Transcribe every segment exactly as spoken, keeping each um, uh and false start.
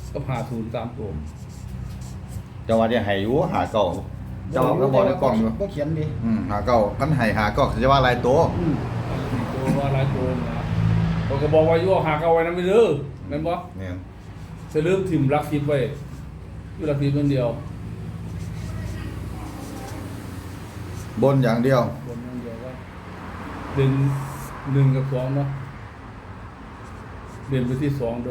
ก็หาศูนย์สามตัวจังหวะที่ให้อยู่หาเก่าเจ้าก็บอกในกล้องอยู่บ่เขียนดิอืมหาเก่ากันให้หาเก่าจะว่าหลายตัวอืมตัวว่าหลายตัวนะผมก็บอกว่าอยู่หาเอาไว้นะไม่เด้อแม่นบ่เนี่ยจะเริ่มถิ่มรักทิพย์ไว้อยู่รักทิพย์คนเดียวบนอย่างเดียวบนอย่างเดียวว่าเด่นหนึ่งกับสองเนาะเด่นไปที่สองเด้อบ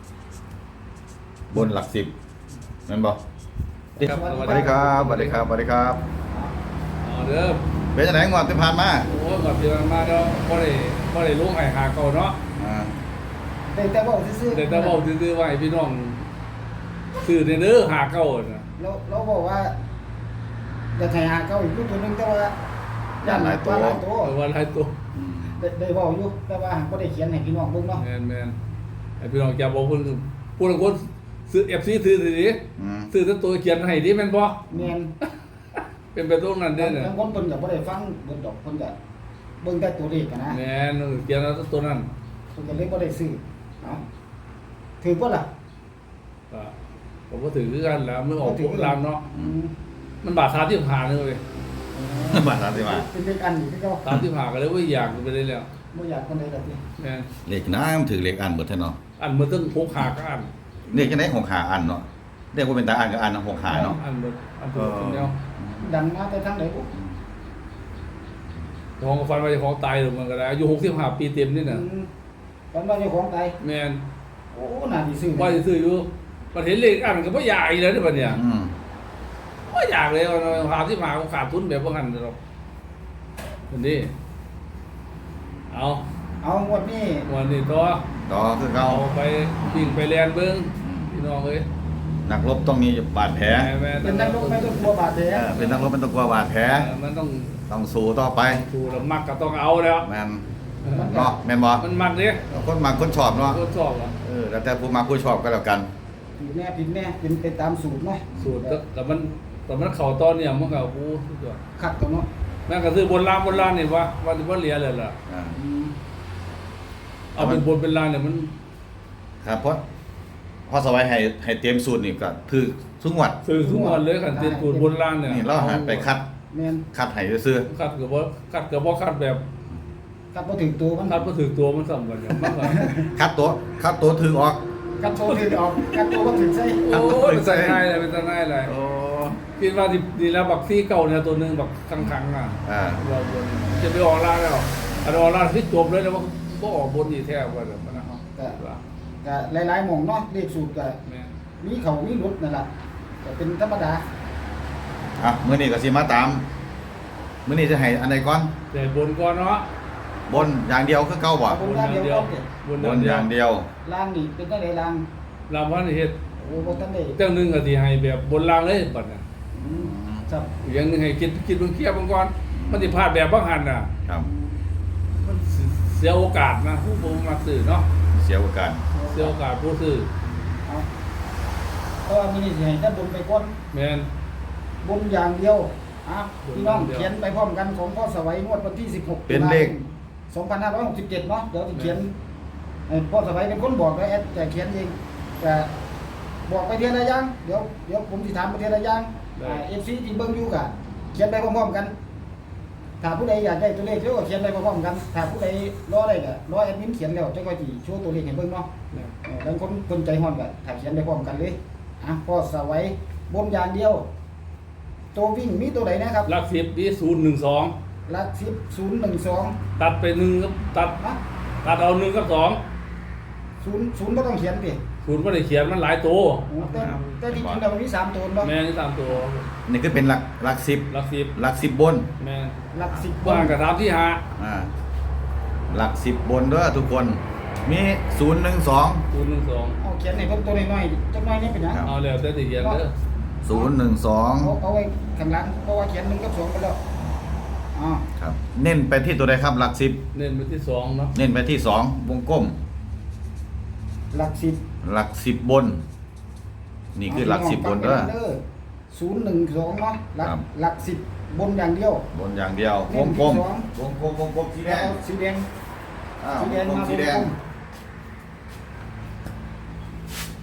นหลักสิบนั่นบ่ครับสวัสดีครับสวัสดีครับสวัสดีครับเอาเด้อเป็นจังได๋งวดที่ผ่านมาโอ้ยแบบเดียวมาแล้วบ่ได้บ่ได้ลงให้หาเก่าเนาะอ่าได้แต่บอกซื่อๆแต่ถ้าเว้าซื่อๆไว้พี่น้องซื้อเด้อหาเก่าน่ะเราเราบอกว่าจะไทยหาเก้าอีกลูกตัวหนึงแต่ว่าย่านหลายตัวหลายตัวเออว่าหลายตัวอืมได้ได้บอกอยู่แต่ว่าบ่ได้เขียนให้พี่น้องเบิ่งเนาะแม่นแม่นไอ้พี่น้องจะบอกเพิ่นผู้ละคนซื้อ เอฟ ซี ซื้อสิอืมซื้อแต่ตัวเขียนให้ดิแม่นบ่แม่นเป็นไปตรงนั้นเด้อน่ะบางคนเพิ่นก็บ่ได้ฟังเบิ่งดอกเพิ่นก็เบิ่งแต่ตัวเลขกันนะแม่นเขียนเอาแต่ตัวนั้นเพิ่นก็เลยบ่ได้ซื้อเนาะถือบ่ล่ะก็ผมก็ถือคือกันแล้วมันออกพวกรามเนาะอืมมันบาทสามสิบห้านึงเว้ยบาทสามสิบห้าเป็นเลขอันนี่ที่เขาสามสิบห้าก็เลยว่าอยากไปได้แล้วบ่อยากคนใดล่ะติแม่นเลขน้ำถือเลขอันเบิดแท้เนาะอันมันต้องพกหาก็อันเลขจังได๋ของหาอันเนาะเรียกว่าเป็นตาอันกับอันของหาเนาะอันมันอันตัวคนเดียวดังมาแต่ทางไหนบ่ของฟันไปของตายหรือมันก็ได้อายุหกสิบห้าปีเต็มนี่น่ะอืมตอนว่าเจ้าของตายแม่นโอ้น่าสิซื้อว่าจะซื้ออยู่มันเห็นเลขอันก็บ่อยากอีกแล้วเด้อบัดเนี่ยอืมบ่อยากเลยเอาหาที่มาขาดทุนแบบบ่หันดอกคนนี้เอาเอางวดนี้วันนี้ต่อต่อคือเก่าเอาไปวิ่งไปแลนเบิ่งพี่น้องเอ้ยนักรบต้องมีบาดแผลแม่เป็นนักลงไม่ต้องกลัวบาดแผลเออเป็นนักรบเป็นต้องกลัวบาดแผลเออมันต้องต้องสู้ต่อไปถูกแล้วมักก็ต้องเอาแล้วแม่นเออเนาะแม่นบ่มันมักเด้คนมักคนชอบเนาะทดสอบอ่ะเออแล้วแต่ผู้มักผู้ชอบก็แล้วกันผิดแน่ผิดแน่เป็นไปตามสูตรเนาะสูตรแต่แต่มันแต่มันเข้าตอนเนี่ยมันก็โอ้สุดยอดขัดตัวเนาะแม่งก็ซื้อบนล่างบนล่างนี่ว่าว่าสิบ่เหลือเลยล่ะอ่าอืมเอาเป็นบนเป็นล่างเนี่ยมันครับเพราะพอสบายให้ให้เตรียมสูตรนี่ก็คือทุกงวดซื้อทุกวันเลยคันเตียนสูตรบนล่างเนี่ยนี่เราหาไปคัดแม่นคัดให้ซื่อคัดก็บ่คัดก็บ่คัดแบบขัดบ่ถึงตัวมันคัดบ่ถึงตัวมันซ้ํกันเนี่ยมันก็ๆคัดตัวคัดตัวถือออกกัดตัวถึงออกกัดตัวบ่ถึงใส่โอ้ยเป็นตาง่ายเลยเป็นตาง่ายเลยโอ้คิดว่าดีดีแล้วบักซี่เก่าเนี่ยตัวหนึงบักคังๆอ่ะอ่าเราบนจะไปออกล่างแล้วอันออกล่างที่จบเลยแล้วว่าบ่ออกบนอีกแท้ว่าแบบนั้นเนาะก็ก็หลายๆหม่องเนาะเลขสูตรก็แม่มีเขามีหลุดนั่นล่ะก็เป็นธรรมดาอ่ะมื้อนี้ก็สิมาตามมื้อนี้จะให้อันใดก่อนแต่บนก่อนเนาะบนอย่างเดียวคือเก่าบ่บนอย่างเดียวบนบนอย่างเดียวล่างนี่เป็นจังไดล่างลำพันเฮ็ดโอ้บ่ทันได้เจ้าหนึงก็สิให้แบบบนล่างเลยบัดน่ะอืมครับอีกอย่างหนึงให้คิดคิดเบิ่งเคลียร์เบิ่งก่อนมันสิพลาดแบบบ่หันน่ะครับมันเสียโอกาสนะผู้บ่มักซื้อเนาะเสียโอกาสเสียโอกาสผู้ซื้อเอาเพราะว่ามื้อนี้สิให้ท่านบนไปก่อนแม่นบนอย่างเดียวอ่ะบนพี่น้องอย่างเดียวเขียนไปพร้อมกันของพ่อสวัยงวดวันที่สิบหกเป็นเลขสองพันห้าร้อยหกสิบเจ็ดเนาะเดี๋ยวจะเขียนเอ่อพ่อสวัยเป็นคนบอกไว้แอดแต่เขียนเองแต่บอกไปเทียละอย่างเดี๋ยวเดี๋ยวผมสิถามไปเทียละอย่างเอฟซีที่เบิ่งอยู่กะเขียนไปพร้อมๆกัน ถ้าผู้ใดอยากได้ตัวเลขเดี๋ยวก็เขียนไปพร้อมๆกัน ถ้าผู้ใดรอได้ก็รอแอดมินเขียนแล้วจะค่อยสิโชว์ตัวเลขให้เบิ่งเนาะแม่นเออบางคนคนใจฮ้อนก็ถ้าเขียนไปพร้อมกันเลยอ่ะพ่อสวัยบนอย่างเดียว ตัววิ่งมีตัวไหนนะครับหลักสิบนี่ศูนย์หนึ่งสองหลักสิบศูนย์หนึ่งสองตัดไปหนึ่งกับตัดนะตัดเอาหนึ่งกับสองศูนย์ศูนย์ก็ต้องเขียนสิศูนย์บ่ได้เขียนมันหลายตัวโอ้แต่แต่ที่จริงแล้วมันมีสามตัวเนาะแม่นี่ตามตัวนี่คือเป็นหลักหลักสิบหลักสิบหลักสิบบนแม่หลักสิบว่างกับถามที่หาอ่าหลักสิบบนเด้อทุกคน มีศูนย์หนึ่งสองศูนย์หนึ่งสองเอาเขียนให้เพิ่มตัวน้อยๆจักหน่อยนี่เป็นหยังเอาแล้วแต่ที่เขียนเด้อศูนย์หนึ่งสองเอาเอาไว้ข้างหลังเพราะว่าเขียนหนึ่งกับสองไปแล้วอ่าครับ เน้นไปที่ตัวใดครับหลักสิบเน้นไปที่สองเนาะเน้นไปที่สองวงกลมหลักสิบหลักสิบบน นี่คือหลักสิบบนเด้อศูนย์หนึ่งสองเนาะหลักครับหลักสิบบนอย่างเดียวบนอย่างเดียวเน้วน งที่กลมสองวงกลมวงกลมสีแดแล้วงเอาสีแดงอ่าสีวแดงงกลมมาสีแดงวงกลมถ้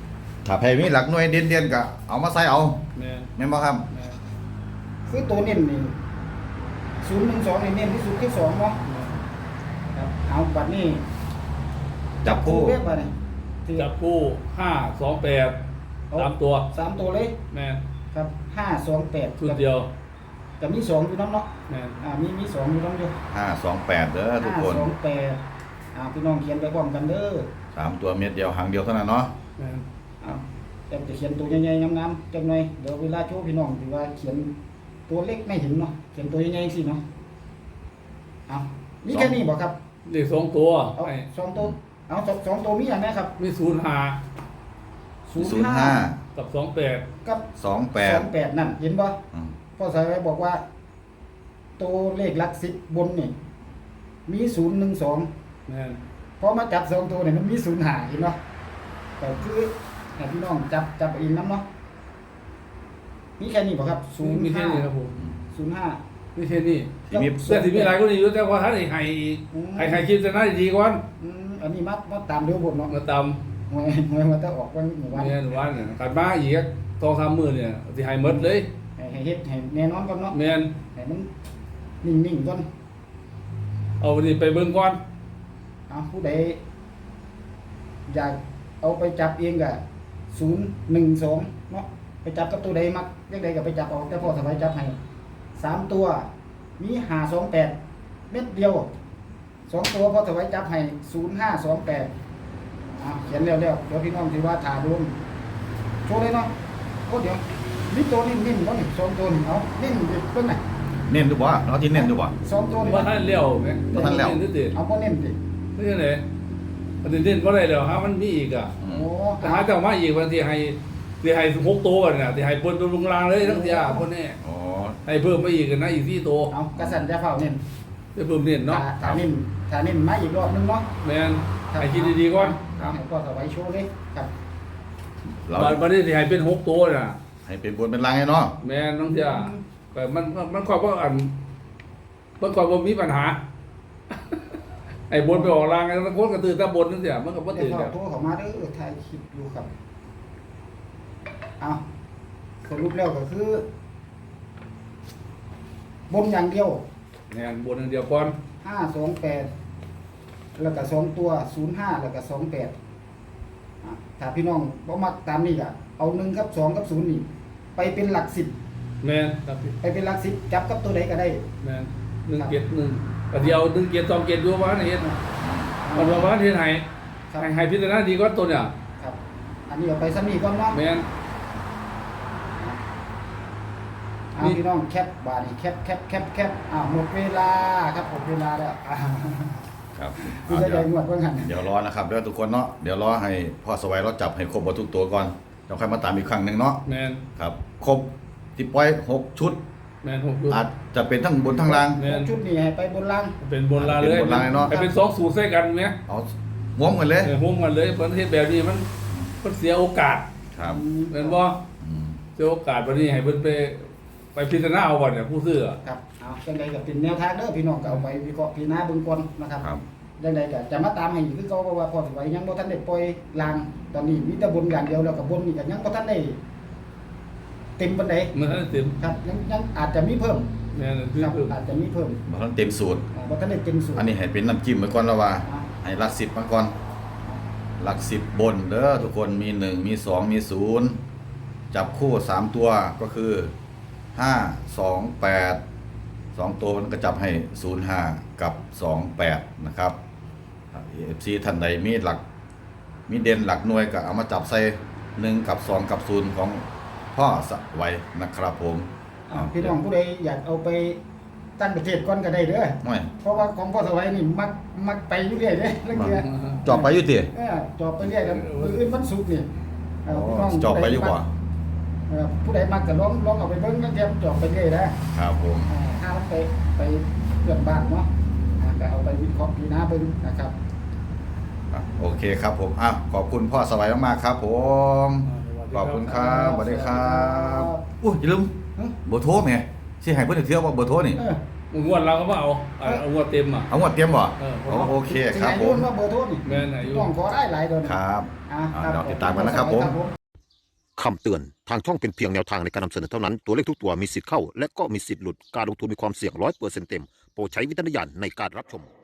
ถ้าไผมีหลักหน่วยเด่นๆก็เอามาใส่เอาแม่นแม่นบ่ครับแม่นคือตัวเน้นนี่ศูนย์หนึ่งสองนี่เน้นที่สุดที่สองเนาะแม่นครับเอาบัดนี้จับคู่เรียกบัดนี้ที่จับคู่ห้าสองแปดสามตัวสามตัวเลยแม่นครับห้าสองแปดชุดเดียวแต่มีสองอยู่น้ำเนาะแม่นอ่ามีมีสองอยู่น้ำอยู่ห้าสองแปดเด้อทุกคนห้าสองแปดอ่าพี่น้องเขียนไปพร้อมกันเด้อสามตัวเม็ดเดียวหางเดียวเท่านั้นเนาะแม่นเอาแต่จะเขียนตัวใหญ่ๆงามๆจังหน่อยเดี๋ยวเวลาโชว์พี่น้องถือว่าเขียนตัวเล็กไม่เห็นเนาะเขียนตัวใหญ่ๆสิเนาะเอามีแค่นี้บ่ครับเลขสองตัวเอาไอ้สองตัวเอาสองสองตัวมีอย่างไรครับมีศูนย์ห้าศูนย์ห้ากับสองแปดกับสองแปดสองแปดนั่นเห็นบ่อืมพ่อสายไว้บอกว่า ตัวเลขหลักสิบบนนี่มีศูนย์หนึ่งสองแม่นพอมาจับสองตัวเนี่ยมันมีศูนย์หาเห็นเนาะแต่คือให้พี่น้องจับจับเองน้ำเนาะมีแค่นี้ป่ะครับศูนย์มีแค่ห้านี้ครับผมศูนย์ห้ามีแค่นี้ที่มีแต่ที่มีหลายคนอยู่แต่ว่าท่านให้ให้ให้ให้คิดจะน่าดีก่อนอืมอันนี้มามาตามเรื่องผมเนาะมาตามหวยหวยมันจะออกวันหมู่วันเนี่ยวันเนี่ยการบ้าอีกสองสามมื้อเนี่ยสิให้หมดเลยให้ให้เฮ็ดให้แน่นอนก่อนเนาะแม่นให้มันนิ่งๆก่อนเอาวันนี้ไปเบิ่งก่อนเอาผู้ใดอยากเอาไปจับเองก็ศูนย์หนึ่งสองเนาะไปจับกับตัวใดมักเลขใดก็ไปจับเอาแต่พ่อสบายจับให้สามตัวมีห้าสองแปดเม็ดเดียวสองตัวพ่อสบายจับให้ศูนย์ห้าสองแปดอ่าเขียนเร็วๆเดี๋ยวพี่น้องถือว่าถ่าดวงโชว์เลยเนาะโอ้เดี๋ยวมีตัวนิ่มๆก็หนึ่งสองตัวหนึ่งเอานิ่มดิเพิ่นน่ะเน้นดูบ่เราที่เน้นดูบ่สองตัวนี่ว่าท่านเลี้ยวแม่บ่ทันแล้วนี่ติเอาบ่เน้นดินี่จังได๋ประเด็นบ่ได้แล้วฮะมันมีอีกอ่ะอืโอ้มแต่หาเจ้ามาอีกวันที่ให้ที่ให้หกตัวน่ะที่ให้เปิ้นตัวลงรางเลยทั้งเที่ยคนนี้อ๋อให้เพิ่มมาอีกนะอีกสี่ตัวเอากระสันจะเฝ้าเน้นจะเพิ่มเน้นเนาะถ้าถ้าเน้นถ้าเน้นมาอีกรอบนึงเนาะแม่นให้คิดดีๆก่อนเอาให้พ่อสบายโชว์เลยครับเราบัดบัดนี้สิให้เป็นหกตัวน่ะให้เป็นบนเป็นล่างให้เนาะแม่นทั้งเที่ยแต่มันมันมันความว่าอันมันความว่ามีปัญหา ไอ้บนไปออกรางไอ้ตะโกนกระตือตะบนนั่นเสียมันก็บ่เดี๋ตื่ยนวแล้วโทรเข้ามาเด้อถ่ายคลิปอยู่ครับเอาสรุปแล้วก็คือ บนอย่างเดียวแม่นบนอย่างเดียวก่อนห้าสองแปดแล้วก็สองตัวศูนย์ห้าแล้วก็สองแปดถ้าพี่น้องบ่มักตามนี้ก็เอาหนึ่งกับสองกับศูนย์นี่ไปเป็นหลักสิบแม่นครับพี่ไปเป็นหลักสิบจับกับตัวใดก็ได้แม่นหนึ่งเกียรติหนึ่งก็เดียวหนึ่งเกียรติสองเกียรติอยู่ว่าเฮ็ดมันว่าว่าเฮ็ดให้ครับให้ให้พิจารณาดีก่อนตัวเนี่ยครับ อันนี้เอาไปซ้ำนี่ก่อนเนาะแม่นเอาพี่น้องแคปบาดนี่แคปแคปแคปแคปอ้าวหมดเวลาครับหมดเวลาแล้วอ่าครับคือเอาจะเดี๋ยวได้หมดเพิ่งหันเดี๋ยวรอนะครับเดี๋ยวทุกคนเนาะเดี๋ยวรอให้พ่อสวัยเราจับให้ครบหมดทุกตัวก่อนแล้วค่อยมาตามอีกครั้งหนึงเนาะแม่นครับครบที่ปล่อยหกชุดแม่นหกอยู่อาจจะเป็นทั้งบนทั้งล่างแม่นชุดนี้ให้ไปบนล่างเป็นบนลาเลยเป็นบนลาเลยเนาะให้เป็นสองสูตรใส่กันไหมเอาม้วมกันเลยเออห่วมกันเลยประเทศแบบนี้มันมันเสียโอกาสครับแม่นบ่อืมเสียโอกาสวันนี้ให้เพิ่นไปไปพิจารณาเอาก่อนเนี่ยผู้ซื้ออะครับเอาจังใดก็เป็นแนวทางเด้อพี่น้องก็เอาไปวิเคราะห์พิจารณาเบิ่งก่อนนะครับครับจังใดก็จะมาตามให้อีกคือเก่าเพราะว่าพอสิไว้ยังบ่ทันได้ปล่อยลางตอนนี้มีแต่บนอย่างเดียวแล้วก็บนนี่ก็ยังบ่ทันได้เต็มปานใดมันให้เต็มครับยังยังอาจจะมีเพิ่มแม่นคือครับคืออาจจะมีเพิ่มบ่ทันเต็มสูตรอ่าบ่ทันได้เต็มสูตรอันนี้ให้เป็นน้ำจิ้มไว้ก่อนแล้วว่าอ่าให้หลักสิบมาก่อนหลักสิบบนเด้อทุกคนมีหนึ่งมีสองมีศูนย์จับคู่สามตัวก็คือห้าสองแปดสองตัวมันก็จับให้ศูนย์ห้ากับสองแปดนะครับเอฟซีท่านใดมีหลักมีเด่นหลักหน่วยก็เอามาจับใส่หนึ่งกับสองกับศูนย์ของพ่อสไว้นะครับผมอ่าพี่น้องผู้ใดอยากเอาไปตั้งประเทศก่อนก็ได้เด้อไม่เพราะว่าของพ่อสวัยนี่มักมักไปอยู่เรื่อยเด้แล้วเกียจอบไปอยู่ติเออจอบไปเรื่อยแล้วมื้ออื่นวันศุกร์นี่เอ่อพี่น้องจอบไปอยู่บ่เอ่อผู้ใดมักก็ลองลองเอาไปเบิ่งแล้วเกียจอบไปเรื่อยนะครับผมอ่าถ้ามันไปไปเพื่อนบ้านเนาะอ่าก็เอาไปวิเคราะห์พิจารณาเบิ่งนะครับอ่ะโอเคครับผมอ่ะขอบคุณพ่อสวัยมากๆครับผมขอบคุณครับสวัสดีครับอุ้ยอย่าลืมเอ้อเบอร์โทรแม่สิให้เพิ่นเที่ยวว่าเบอร์โทรนี่เอองวดเราก็มาเอาเอาเอางวดเต็มอ่ะเอางวดเตรียมบ่เอออ๋อโอเคครับสิผให้มนว่าเบอร์โทรนี่แม่นอายุต้องขอได้หลายเดือนครับอ่าอ่าเดี๋ยวติดตามกันนะครับผมครับคำเตือน ทางช่องเป็นเพียงแนวทางในการนำเสนอเท่านั้น ตัวเลขทุกตัวมีสิทธิ์เข้า และก็มีสิทธิ์หลุด การลงทุนมีความเสี่ยงร้อยเปอร์เซ็นต์เต็ม โปรดใช้วิจารณญาณในการรับชม